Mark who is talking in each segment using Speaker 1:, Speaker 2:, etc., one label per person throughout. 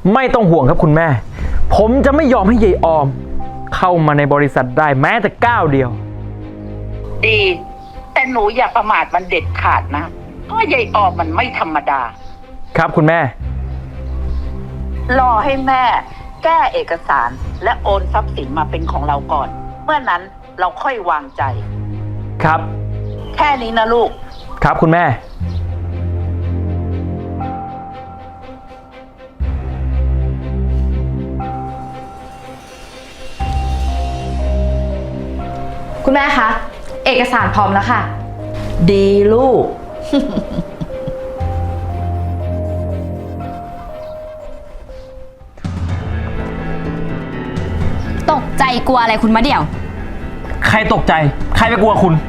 Speaker 1: ไม่ต้องห่วงครับคุณแม่ ผมจะไม่ยอมให้ยายออม เข้ามาในบริษัทได้แม้แต่ก้าวเดียว
Speaker 2: ดีแต่หนูอย่าประมาทมันเด็ดขาดนะเพราะยายออมมันไม่ธรรมดา
Speaker 1: ครับคุณแม่
Speaker 2: รอให้แม่แก้เอกสารและโอนทรัพย์สินมาเป็นของเราก่อนเมื่อนั้นเราค่อยวางใจ
Speaker 1: ครับ
Speaker 2: แค่นี้นะลูก
Speaker 1: ครับคุณแม่
Speaker 3: คุณแม่คะเอกสารพร้อมแล้วค่ะ
Speaker 2: ดีลูก
Speaker 3: ตกใจกลัวอะไรคุณมะเดี่ยว
Speaker 1: ใครตกใจใครไปกลัวคุณ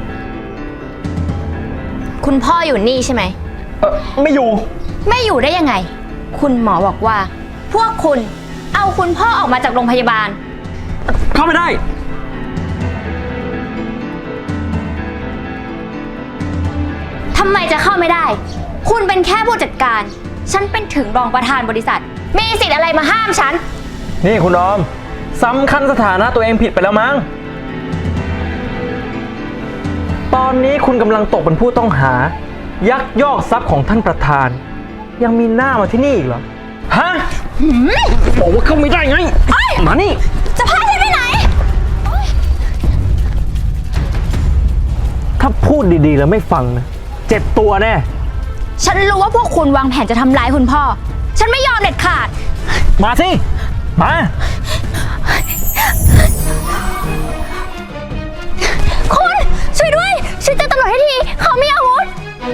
Speaker 3: คุณพ่ออยู่นี่ใช่ไหม
Speaker 1: ไม่อยู่
Speaker 3: ไม่อยู่ได้ยังไงคุณหมอบอกว่าพวกคุณเอาคุณพ่อออกมาจากโรงพยาบาล
Speaker 1: เข้าไม่ได้
Speaker 3: ทำไมจะเข้าไม่ได้คุณเป็นแค่ผู้จัดการฉันเป็นถึงรองประธานบริษัทมีสิทธิ์อะไรมาห้ามฉัน
Speaker 1: นี่คุณออมสำคัญสถานะตัวเองผิดไปแล้วมั้งตอนนี้คุณกำลังตกเป็นผู้ต้องหายักยอกทรัพย์ของท่านประธานยังมีหน้ามาที่นี่อีกเหรอฮะบอกว่าเข้าไม่ได้ไงมานี่
Speaker 3: จะพาฉันไปไหน
Speaker 1: ถ้าพูดดีๆแล้วไม่ฟังนะเจ็บตัวแน่
Speaker 3: ฉันรู้ว่าพวกคุณวางแผนจะทำร้ายคุณพ่อฉันไม่ยอมเด็ดขาด
Speaker 1: มาสิมา
Speaker 3: คุณช่วยด้วยช่วยแจ้งตำรวจให้ทีเขามีอาวุธ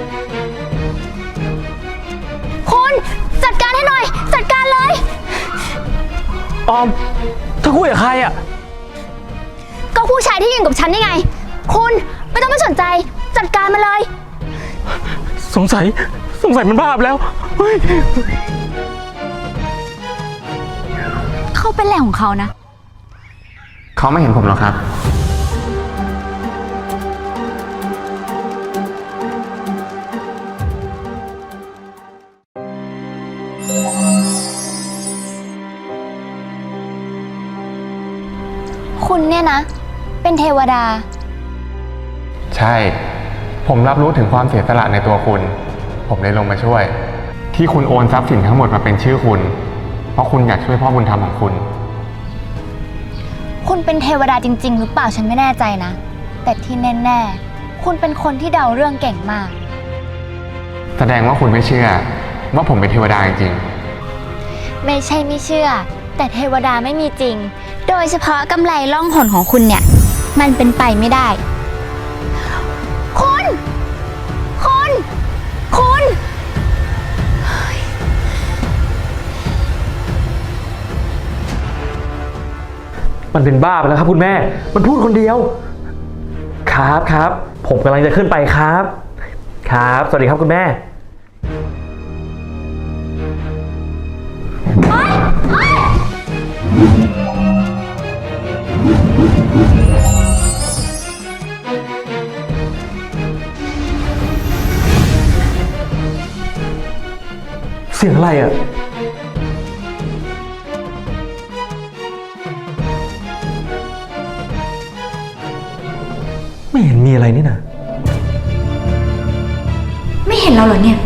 Speaker 3: คุณจัดการให้หน่อยจัดการเลย
Speaker 1: ออมเธอคุยกับใครอ่ะ
Speaker 3: ก็ผู้ชายที่ยืนกับฉันนี่ไงคุณไม่ต้องไปสนใจจัดการมาเลย
Speaker 1: สงสัยมันบ้าไปแล้วเฮ้ย
Speaker 3: เขาเป็นแหล่งของเขานะ
Speaker 4: เขาไม่เห็นผมหรอกครับ
Speaker 3: คุณเนี่ยนะเป็นเทวดา
Speaker 4: ใช่ผมรับรู้ถึงความเสียสละในตัวคุณผมเลยลงมาช่วยที่คุณโอนทรัพย์สินทั้งหมดมาเป็นชื่อคุณเพราะคุณอยากช่วยพ่อบุญธรรมของคุณ
Speaker 3: คุณเป็นเทวดาจริงๆหรือเปล่าฉันไม่แน่ใจนะแต่ที่แน่ๆคุณเป็นคนที่เดาเรื่องเก่งมาก
Speaker 4: แสดงว่าคุณไม่เชื่อว่าผมเป็นเทวดาจริง
Speaker 3: ๆไม่ใช่ไม่เชื่อแต่เทวดาไม่มีจริงโดยเฉพาะกำไรล่องหนของคุณเนี่ยมันเป็นไปไม่ได้คุณ
Speaker 1: มันเป็นบ้าไปแล้วครับคุณแม่มันพูดคนเดียวครับผมกำลังจะขึ้นไปครับสวัสดีครับคุณแม่เสียงอะไรอ่ะไม่เห็นมีอะไรนี่นะ
Speaker 3: ไม่เห็นเราเหรอเนี่ย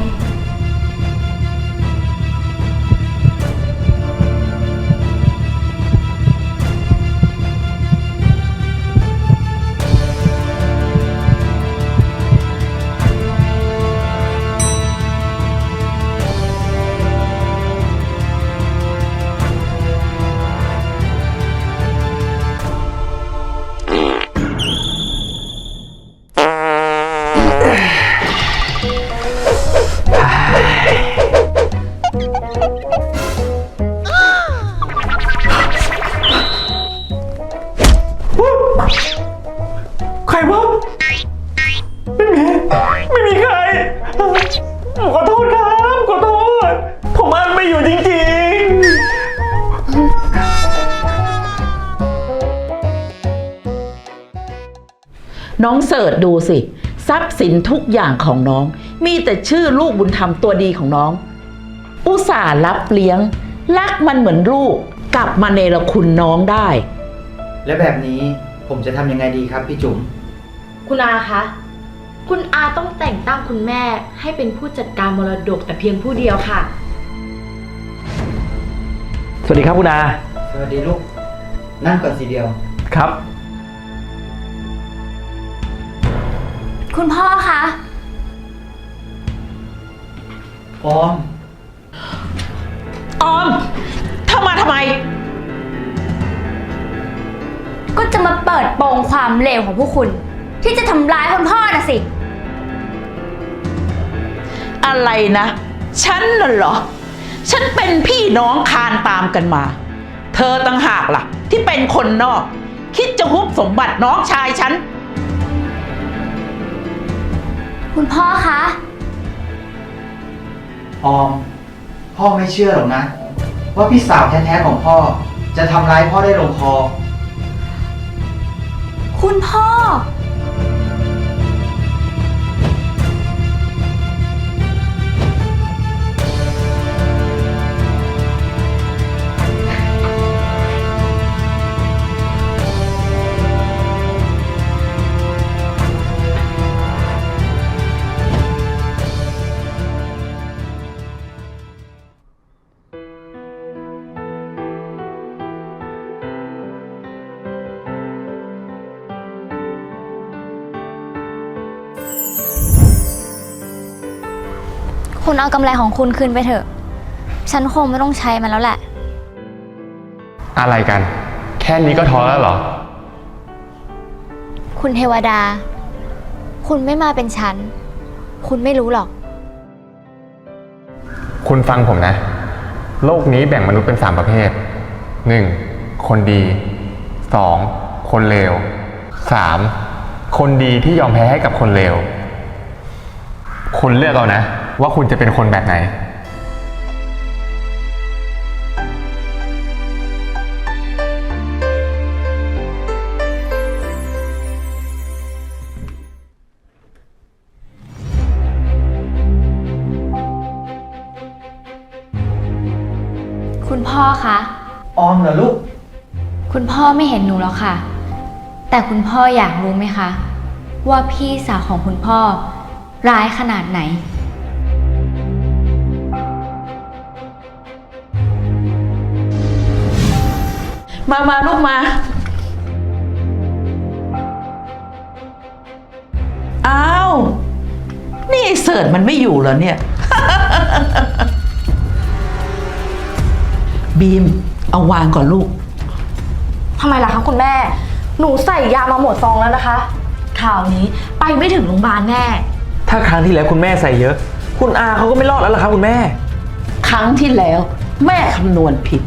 Speaker 1: ใครวะไม่มีใครขอโทษครับขอโทษผมอ่านไม่อยู่จริง
Speaker 5: น้องเสิร์ชดูสิทรัพย์สินทุกอย่างของน้องมีแต่ชื่อลูกบุญธรรมตัวดีของน้องอุตส่าห์รับเลี้ยงรักมันเหมือนลูก กลับมาเนรคุณน้องได้
Speaker 6: และแบบนี้ผมจะทำยังไงดีครับพี่จุ๋ม
Speaker 7: คุณอาคะ คุณอาต้องแต่งตั้งคุณแม่ให้เป็นผู้จัดการมรดกแต่เพียงผู้เดียวค่ะ
Speaker 1: สวัสดีครับคุณอา
Speaker 6: สวัสดีลูก นั่งก่อนสีเดียว
Speaker 1: ครับ
Speaker 3: คุณพ่อคะ
Speaker 6: ออม
Speaker 5: ออมเธอมาทำไม
Speaker 3: ก็จะมาเปิดโปงความเลวของพวกคุณ ที่จะทำร้ายคุณพ่อน่ะสิ
Speaker 5: อะไรนะ ฉันน่ะเหรอ ฉันเป็นพี่น้องคานตามกันมา เธอต่างหากล่ะ ที่เป็นคนนอก คิดจะฮุบสมบัติน้องชายฉัน
Speaker 3: คุณพ่อคะ
Speaker 6: ออม พ่อไม่เชื่อหรอกนะ ว่าพี่สาวแท้ๆของพ่อ จะทำร้ายพ่อได้ลงคอ
Speaker 3: คุณพ่อ คุณเอากำไรของคุณคืนไปเถอะ ฉันคงไม่ต้องใช้มันแล้วแหละ
Speaker 4: อะไรกัน แค่นี้ก็ท้อแล้วเหรอ
Speaker 3: คุณเทวดา คุณไม่มาเป็นฉัน คุณไม่รู้หรอก
Speaker 4: คุณฟังผมนะ โลกนี้แบ่งมนุษย์เป็น3ประเภท 1. คนดี 2. คนเลว 3. คนดีที่ยอมแพ้ให้กับคนเลว คุณเลือกเอานะ ว่าคุณจะเป็นคนแบบไหน
Speaker 3: คุณพ่อคะ
Speaker 6: ออมเหรอลูก
Speaker 3: คุณพ่อไม่เห็นหนูหรอกค่ะ แต่คุณพ่ออยากรู้ไหมคะ ว่าพี่สาวของคุณพ่อร้ายขนาดไหน
Speaker 5: มาลูกมา อ้าว นี่เสิร์ชมันไม่อยู่เหรอเนี่ย บีม เอาวางก่อนลูก
Speaker 7: ทำไมล่ะคะคุณแม่ หนูใส่ยามาหมดซองแล้วนะคะข่าวนี้ไปไม่ถึงโรงพยาบาลแน่
Speaker 1: ถ้าครั้งที่แล้วคุณแม่ใส่เยอะ คุณอาเขาก็ไม่รอดแล้วล่ะครับคุณแม่
Speaker 5: ครั้งที่แล้ว แม่คำนวณผิด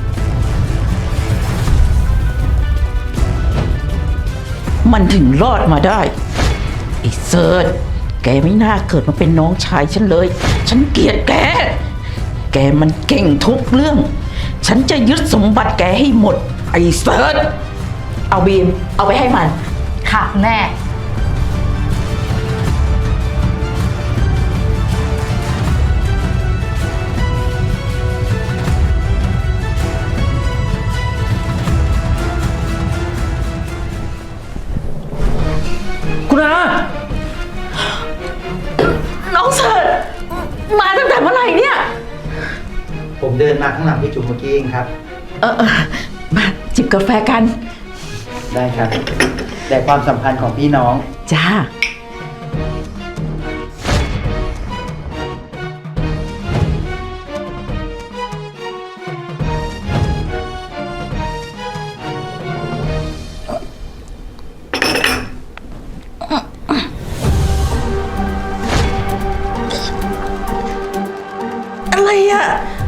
Speaker 5: มันถึงรอดมาได้ไอ้เซิร์ชแกไม่น่าเกิดมาเป็นน้องชายฉันเลย ฉันเกลียดแก แกมันเก่งทุกเรื่อง ฉันจะยึดสมบัติแกให้หมด ไอ้เซิร์ชเอาบีม เอาไปให้มัน
Speaker 7: ค่ะคุณแม่
Speaker 1: คุณอา
Speaker 5: น้องเสิร์ชมาตั้งแต่เมื่อไหร่เนี่ย
Speaker 6: ผมเดินมาข้างหลังพี่จุ๋มเมื่อกี้เองครับ
Speaker 5: มาจิบกาแฟกัน
Speaker 6: ได้ครับ แต่ความสัมพันธ์ของพี่น้อง
Speaker 5: จ้า อะไรอ่ะ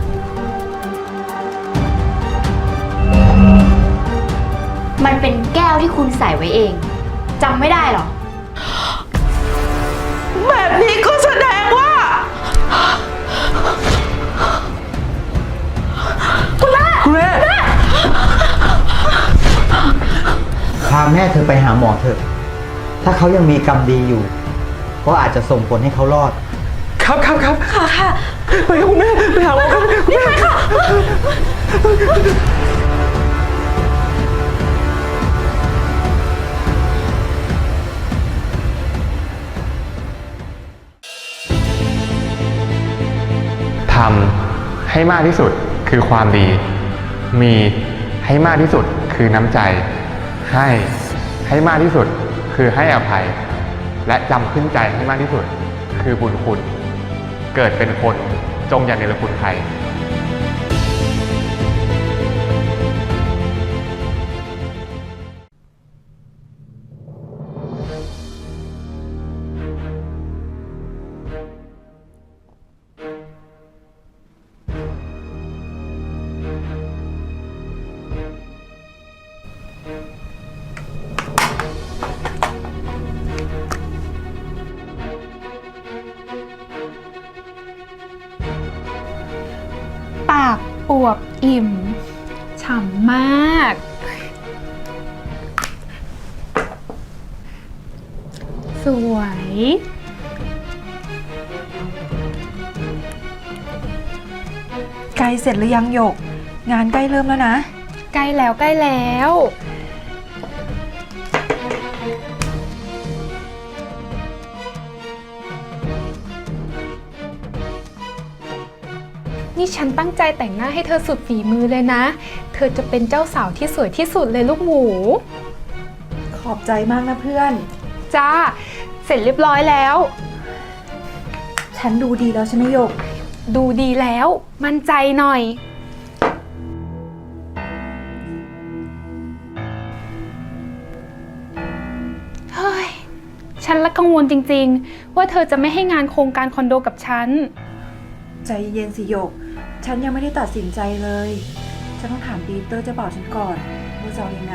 Speaker 3: มันเป็นแก้วที่คุณใส่ไว้เองจำไม่ได้หรอ
Speaker 5: แบบนี้ก็แสดงว่า
Speaker 1: คุณแม่
Speaker 6: พาแม่เธอไปหาหมอเถอะ ถ้าเขายังมีกรรมดีอยู่ ก็อาจจะส่งผลให้เขารอด
Speaker 1: ครับ
Speaker 7: ค่ะค่ะ
Speaker 1: ไปค่ะคุณแม่ไปหาหมอกันคุณแม่ค่ะ
Speaker 4: ทำให้มากที่สุดคือความดี มีให้มากที่สุดคือน้ำใจ ให้มากที่สุดคือให้อภัย และจำขึ้นใจให้มากที่สุดคือบุญคุณ เกิดเป็นคนจงอย่าเนรคุณใคร
Speaker 8: ปากอวบอิ่ม ฉ่ำมาก สวย
Speaker 9: ใกล้เสร็จหรือยังหยก งานใกล้เริ่มแล้วนะ
Speaker 8: ใกล้แล้วใกล้แล้ว นี่ฉันตั้งใจแต่งหน้าให้เธอสุดฝีมือเลยนะ เธอจะเป็นเจ้าสาวที่สวยที่สุดเลยลูกหมู
Speaker 9: ขอบใจมากนะเพื่อน
Speaker 8: จ้า เสร็จเรียบร้อยแล้ว
Speaker 9: ฉันดูดีแล้วใช่ไหมหยก
Speaker 8: ดูดีแล้ว มั่นใจหน่อย เฮ้ย ฉันละกังวลจริงๆ ว่าเธอจะไม่ให้งานโครงการคอนโดกับฉัน
Speaker 9: ใจเย็นสิหยก ฉันยังไม่ได้ตัดสินใจเลย ฉันต้องถามปีเตอร์เจะบอกฉันก่อนว่าจะเอายังไง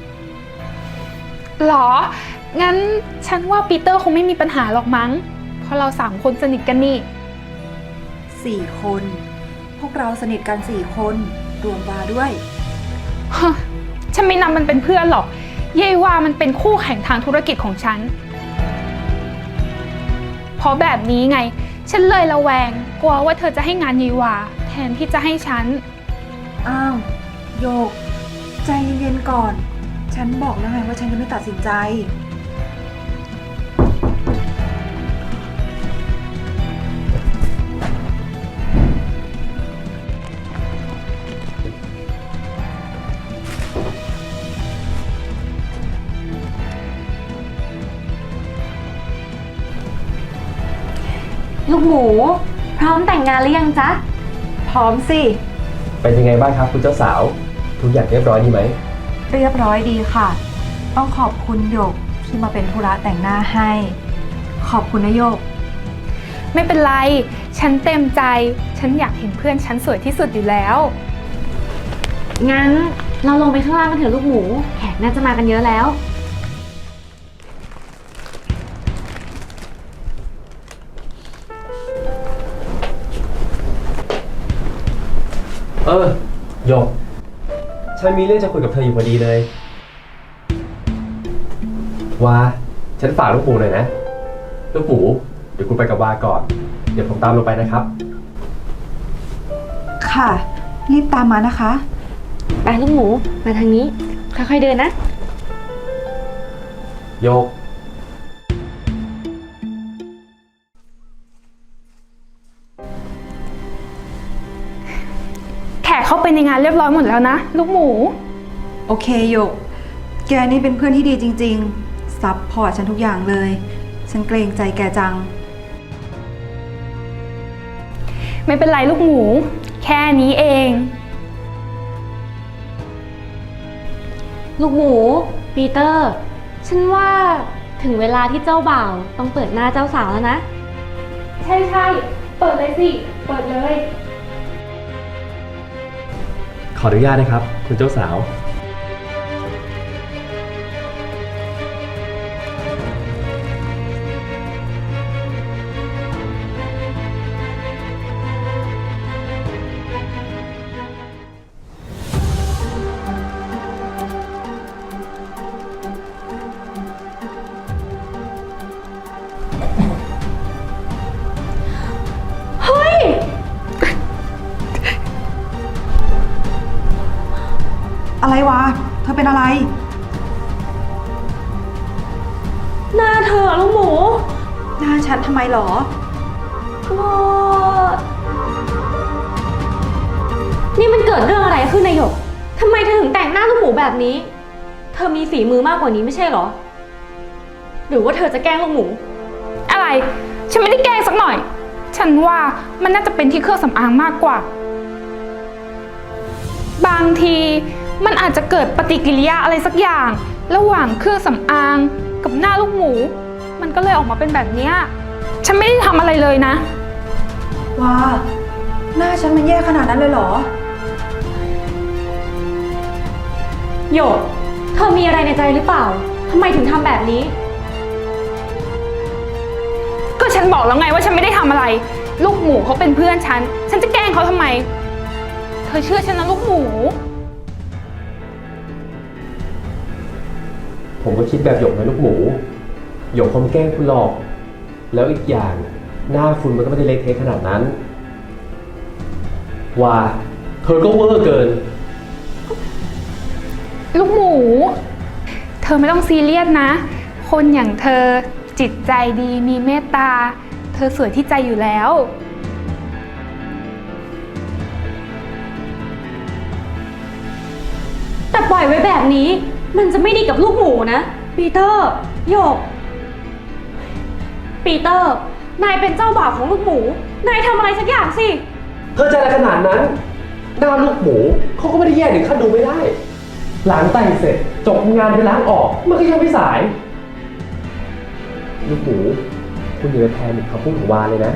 Speaker 8: หรอ งั้นฉันว่าปีเตอร์คงไม่มีปัญหาหรอกมั้ง เพราะเรา3 คนสนิทกันนี่
Speaker 9: 4 คน พวกเราสนิทกัน4 คนรวมวาด้วย
Speaker 8: ฮะ ฉันไม่นำมันเป็นเพื่อนหรอกเย่ว่ามันเป็นคู่แข่งทางธุรกิจของฉัน เพราะแบบนี้ไง ฉันเลยระแวง กลัวว่าเธอจะให้งานเยวาแทนที่จะให้ฉัน
Speaker 9: อ้าวโยก ใจเย็นๆก่อน ฉันบอกแล้วไงว่าฉันยังไม่ตัดสินใจ
Speaker 3: ลูกหมู พร้อมแต่งงานหรือยังจ๊ะ
Speaker 9: พร้อมสิ
Speaker 10: เป็นยังไงบ้างครับคุณเจ้าสาว ทุกอย่างเรียบร้อยดีไหม
Speaker 9: เรียบร้อยดีค่ะ ต้องขอบคุณโยกที่มาเป็นธุระแต่งหน้าให้ ขอบคุณนะโยก
Speaker 8: ไม่เป็นไร ฉันเต็มใจ ฉันอยากเห็นเพื่อนฉันสวยที่สุดอยู่แล้ว
Speaker 3: งั้นเราลงไปข้างล่างกันเถอะลูกหมู แขกน่าจะมากันเยอะแล้ว
Speaker 10: หยก ฉันมีเรื่องจะคุยกับเธออยู่พอดีเลย วา ฉันฝากลูกหมูหน่อยนะ ลูกหมู เดี๋ยวคุณไปกับวาก่อน เดี๋ยวผมตามลงไปนะครับ
Speaker 9: ค่ะ รีบตามมานะคะ
Speaker 3: ไปลูกหมู มาทางนี้ ค่อยๆเดินนะ
Speaker 10: โยก
Speaker 8: แขกเข้าไปในงานเรียบร้อยหมดแล้วนะ ลูกหมู
Speaker 9: โอเคโยก แกนี่เป็นเพื่อนที่ดีจริงๆ ซัพพอร์ตฉันทุกอย่างเลย ฉันเกรงใจแกจัง
Speaker 8: ไม่เป็นไรลูกหมู แค่นี้เอง
Speaker 3: ลูกหมู ปีเตอร์ ฉันว่าถึงเวลาที่เจ้าบ่าวต้องเปิดหน้าเจ้าสาวแล้วนะ
Speaker 8: ใช่ๆ เปิดเลยสิ เปิดเลย
Speaker 10: ขออนุญาตนะครับ คุณเจ้าสาว
Speaker 3: เฮ้ย
Speaker 9: อะไรวะ เธอเป็นอะไร
Speaker 7: หน้าเธอลูกหมู
Speaker 9: หน้าฉันทำไมหรอ
Speaker 7: นี่มันเกิดเรื่องอะไรขึ้นนายหยกทำไมเธอถึงแต่งหน้าลูกหมูแบบนี้ เธอมีฝีมือมากกว่านี้ไม่ใช่เหรอ หรือว่าเธอจะแกล้งลูกหมู
Speaker 8: อะไร ฉันไม่ได้แกล้งสักหน่อย ฉันว่ามันน่าจะเป็นที่เครื่องสำอางมากกว่า บางทีมันอาจจะเกิดปฏิกิริยาอะไรสักอย่าง ระหว่างเครื่องสำอางกับหน้าลูกหมู มันก็เลยออกมาเป็นแบบเนี้ยฉันไม่ได้ทำอะไรเลยนะ
Speaker 9: ว้า หน้าฉันมันแย่ขนาดนั้นเลยเหรอ
Speaker 7: หยก เธอมีอะไรในใจหรือเปล่าทำไมถึงทำแบบนี้
Speaker 8: ก็ฉันบอกแล้วไงว่าฉันไม่ได้ทำอะไร ลูกหมูเขาเป็นเพื่อนฉัน ฉันจะแกล้งเขาทำไม เธอเชื่อฉันนะลูกหมู
Speaker 10: ผมก็คิดแบบหยกนะลูกหมู หยกคงแกล้งคุณหรอก แล้วอีกอย่างหน้าคุณมันก็ไม่ได้เละเทะขนาดนั้น ว่าเธอก็เวอร์เกิน
Speaker 8: ลูกหมู เธอไม่ต้องซีเรียสนะ คนอย่างเธอจิตใจดีมีเมตตา เธอสวยที่ใจอยู่แล้ว
Speaker 7: แต่ปล่อยไว้แบบนี้ มันจะไม่ดีกับลูกหมูนะ ปีเตอร์หยก ปีเตอร์ นายเป็นเจ้าบ่าวของลูกหมู นายทำอะไรสักอย่างสิ
Speaker 10: เธอจะอะไรขนาดนั้น หน้าลูกหมูเขาก็ไม่ได้แย่ถึงขั้นดูไม่ได้หลังแต่งเสร็จจบงานไปล้างออกมันก็ยังไม่สาย ลูกหมูคุณอย่าไปแพนิคคำพูดของวาเลยนะ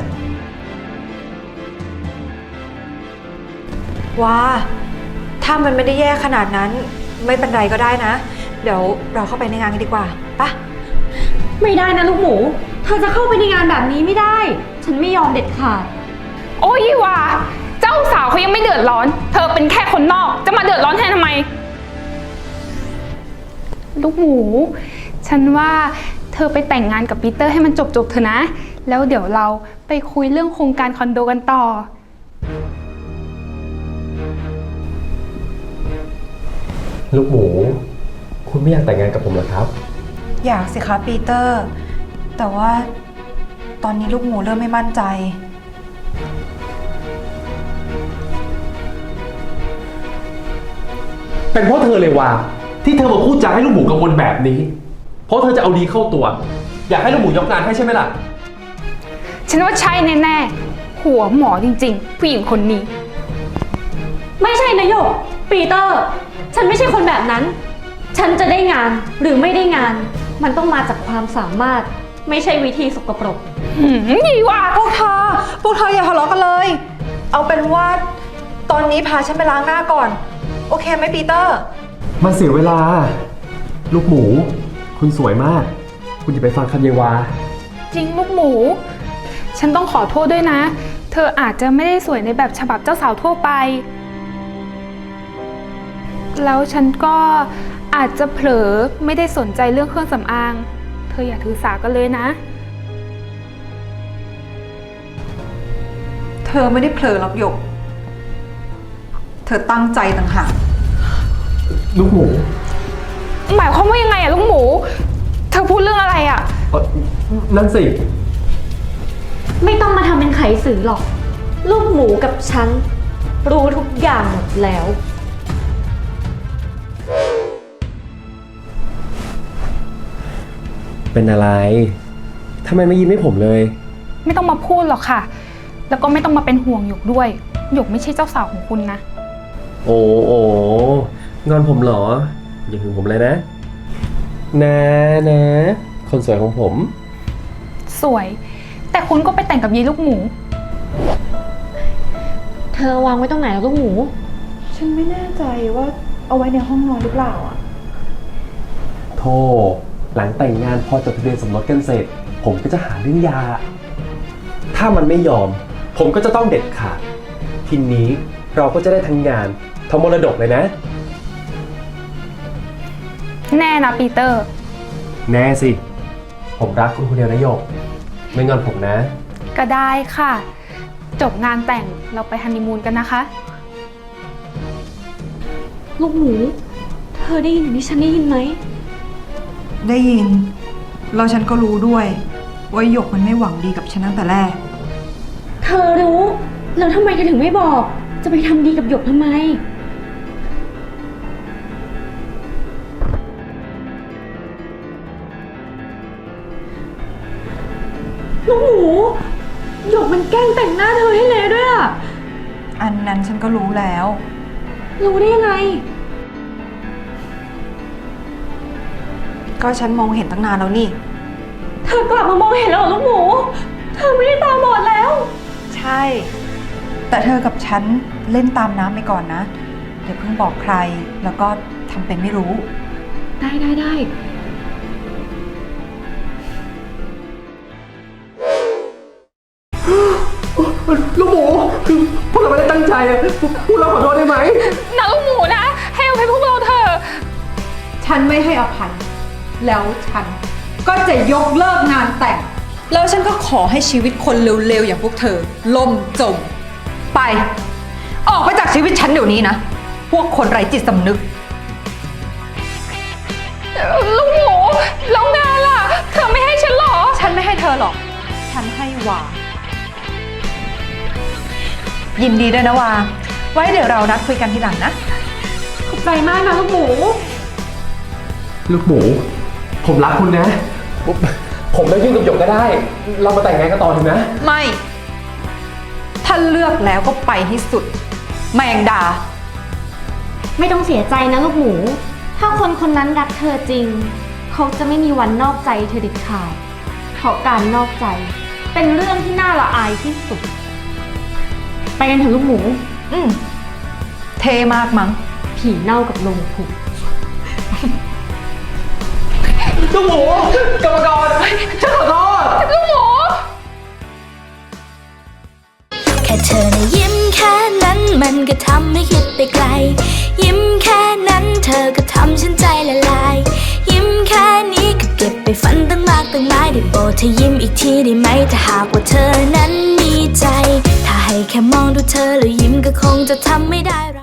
Speaker 9: ว้า ถ้ามันไม่ได้แย่ขนาดนั้น ไม่เป็นไรก็ได้นะ เดี๋ยวเราเข้าไปในงานกันดีกว่าปะ
Speaker 7: ไม่ได้นะลูกหมู เธอจะเข้าไปในงานแบบนี้ไม่ได้ ฉันไม่ยอมเด็ดขาด
Speaker 8: โอ้ยว่าเจ้าสาวเขายังไม่เดือดร้อน เธอเป็นแค่คนนอก จะมาเดือดร้อนแทนทำไม ลูกหมู ฉันว่าเธอไปแต่งงานกับปีเตอร์ให้มันจบๆเถอะนะ แล้วเดี๋ยวเราไปคุยเรื่องโครงการคอนโดกันต่อ
Speaker 10: ลูกหมู คุณไม่อยากแต่งงานกับผมเหรอครับ
Speaker 9: อยากสิคะปีเตอร์ แต่ว่าตอนนี้ลูกหมูเริ่มไม่มั่นใจ
Speaker 10: เป็นเพราะเธอเลยว่าที่เธอมาพูดจาให้ลูกหมูกังวลแบบนี้ เพราะเธอจะเอาดีเข้าตัว อยากให้ลูกหมูยกงานให้ใช่ไหมล่ะ
Speaker 8: ฉันว่าใช่แน่ๆ หัวหมอจริงๆ ผู้หญิงคนนี้
Speaker 7: ไม่ใช่นะหยก ปีเตอร์ ฉันไม่ใช่คนแบบนั้น ฉันจะได้งานหรือไม่ได้งาน มันต้องมาจากความสามารถ ไม่ใช่วิธีสกปรก
Speaker 8: ยี่ว่า
Speaker 9: พวกเธออย่าทะเลาะกันเลย เอาเป็นว่าตอนนี้พาฉันไปล้างหน้าก่อน โอเคไหมปีเตอร์
Speaker 10: มันเสียเวลา ลูกหมู คุณสวยมาก คุณอย่าไปฟังคำเยวา
Speaker 8: จริงลูกหมู ฉันต้องขอโทษด้วยนะ เธออาจจะไม่ได้สวยในแบบฉบับเจ้าสาวทั่วไป แล้วฉันก็อาจจะเผลอไม่ได้สนใจเรื่องเครื่องสำอาง เธออย่าถือสากันเลยนะ
Speaker 9: เธอไม่ได้เผลอหรอกหยก เธอตั้งใจต่างหาก
Speaker 10: ลูกหมู
Speaker 8: หมายความว่ายังไงอะลูกหมู เธอพูดเรื่องอะไรอะ
Speaker 10: นั่นสิ
Speaker 7: ไม่ต้องมาทำเป็นไขสื่อหรอก ลูกหมูกับฉัน รู้ทุกอย่างหมดแล้ว
Speaker 10: เป็นอะไรทำไมไม่ยิ้มให้ผมเลย
Speaker 8: ไม่ต้องมาพูดหรอกค่ะ แล้วก็ไม่ต้องมาเป็นห่วงหยกด้วย หยกไม่ใช่เจ้าสาวของคุณนะ
Speaker 10: โอ้งอนผมเหรอ อย่าถึงผมเลยนะ นะ คนสวยของผม
Speaker 8: สวย แต่คุณก็ไปแต่งกับยีลูกหมู
Speaker 7: เธอวางไว้ตรงไหนแล้วลูกหมู
Speaker 9: ฉันไม่แน่ใจว่าเอาไว้ในห้องนอนหรือเปล่าอ่ะ
Speaker 10: โธ่หลังแต่งงานพอจดทะเบียนสมรสกันเสร็จ ผมก็จะหาเรื่องยา ถ้ามันไม่ยอม ผมก็จะต้องเด็ดขาด ทีนี้เราก็จะได้ทั้งงานทั้งมรดกเลยนะ
Speaker 8: แน่นะปีเตอร์
Speaker 10: แน่สิ ผมรักคุณคนเดียวนะโยก ไม่งอนผมนะ
Speaker 8: ก็ได้ค่ะ จบงานแต่งเราไปฮันนีมูนกันนะคะ
Speaker 7: ลูกหมูธอได้ยินอย่างที่ฉันได้ยินไหม
Speaker 9: ได้ยินแล้วฉันก็รู้ด้วยว่าหยกมันไม่หวังดีกับฉันตั้งแต่แรก
Speaker 7: เธอรู้ แล้วทำไมเธอถึงไม่บอก จะไปทำดีกับหยกทำไม ลูกหมูหยกมันแกล้งแต่งหน้าเธอให้เละด้วยอะ
Speaker 9: อันนั้นฉันก็รู้แล้ว
Speaker 7: รู้ได้ยังไง
Speaker 9: ก็ฉันมองเห็นตั้งนานแล้วนี่
Speaker 7: เธอกลับมามองเห็นแล้วเหรอลูกหมู เธอไม่ได้ตาบอดแล้ว
Speaker 9: ใช่ แต่เธอกับฉันเล่นตามน้ำไปก่อนนะอย่าเพิ่งบอกใครแล้วก็ทำเป็นไม่รู้
Speaker 7: ได้
Speaker 10: ลูกหมูคือพวกเราไม่ได้ตั้งใจอะพวกเราขอโทษได้ไหม
Speaker 8: นะลูกหมูนะ ให้อภัยพวกเราเถอะ
Speaker 9: ฉันไม่ให้อภัยแล้วฉันก็จะยกเลิกงานแต่ง แล้วฉันก็ขอให้ชีวิตคนเร็วๆอย่างพวกเธอล่มจม ไป ออกไปจากชีวิตฉันเดี๋ยวนี้นะ พวกคนไร้จิตสำนึก
Speaker 8: ลูกหมูแล้วงานล่ะ เธอไม่ให้ฉันหรอ
Speaker 9: ฉันไม่ให้เธอหรอก ฉันให้วา ยินดีด้วยนะวา ไว้เดี๋ยวเรานัดคุยกันทีหลังนะ
Speaker 7: ขอบใจมากนะลูกหมู
Speaker 10: ลูกหมู ผมรักคุณนะ ผมได้ยุ่งกับหยกก็ได้ เรามาแต่งงานกันต่อเถอะนะ
Speaker 9: ไม่ ถ้าเลือกแล้วก็ไปให้สุด แมงดา
Speaker 7: ไม่ต้องเสียใจนะลูกหมู ถ้าคนคนนั้นรักเธอจริง เขาจะไม่มีวันนอกใจเธอเด็ดขาดเพราะการนอกใจ เป็นเรื่องที่น่าละอายที่สุด ไปกันเถอะลูกหมู
Speaker 9: เทมากมั้ง
Speaker 7: ผีเน่ากับลงผุ
Speaker 10: ลูกหมูกรรมกรฉันขอโทษ
Speaker 8: ลูกหมู
Speaker 11: แค่เธอนะยิ้มแค่นั้นมันก็ทำให้คิดไปไกล ยิ้มแค่นั้นเธอก็ทำฉันใจละลาย ยิ้มแค่นี้ก็เก็บไปฝันตั้งมากตั้งหลายได้โปรดเธอยิ้มอีกทีได้ไหมถ้าหากว่าเธอนั้นมีใจ ถ้าให้แค่มองดูเธอแล้วยิ้มก็คงจะทำไม่ได้